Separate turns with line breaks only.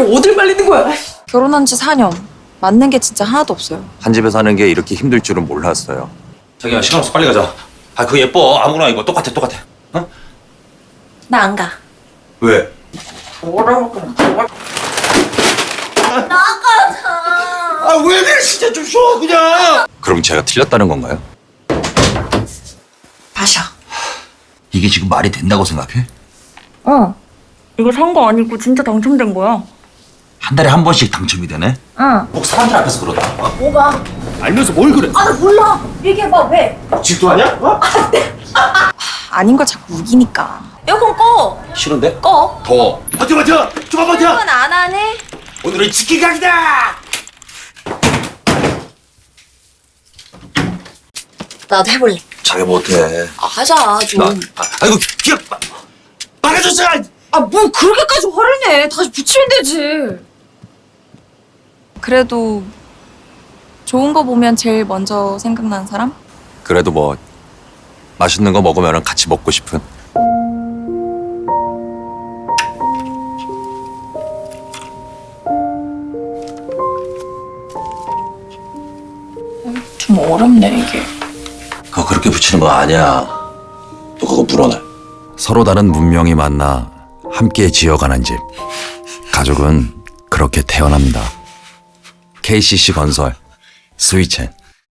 어딜 말리는 거야?
결혼한 지 4년. 맞는 게 진짜 하나도 없어요.
한 집에 사는 게 이렇게 힘들 줄은 몰랐어요.
자기야 시간 없어 빨리 가자. 아 그거 예뻐 아무거나 이거 똑같아. 어?
나 안 가.
왜? 아 왜 그래 진짜 좀 쉬어 그냥.
그럼 제가 틀렸다는 건가요?
마셔.
이게 지금 말이 된다고 생각해?
이거 산 거 아니고 진짜 당첨된 거야.
한 달에 한 번씩 당첨이 되네?
응.
꼭 사람들 앞에서 그러다.
뭐가?
알면서 뭘 그래?
아, 나 몰라. 얘기해봐, 왜?
질투하냐? 어?
아닌 걸 자꾸 우기니까. 에어컨 꺼.
싫은데?
꺼.
더. 버텨! 좀만 버텨!
이건 안 하네.
오늘은 치킨 각이다!
나도 해볼래.
자기 못해.
하자, 좀.
아이고 기억 막아줬어!
뭘 그렇게까지 화를 내. 다시 붙이면 되지. 그래도 좋은 거 보면 제일 먼저 생각나는 사람?
그래도 뭐 맛있는 거 먹으면 같이 먹고 싶은.
좀 어렵네, 이게.
그거 그렇게 붙이는 거 아니야. 너 그거 물어내.
서로 다른 문명이 만나 함께 지어가는 집. 가족은 그렇게 태어납니다. KCC 건설 스위첸.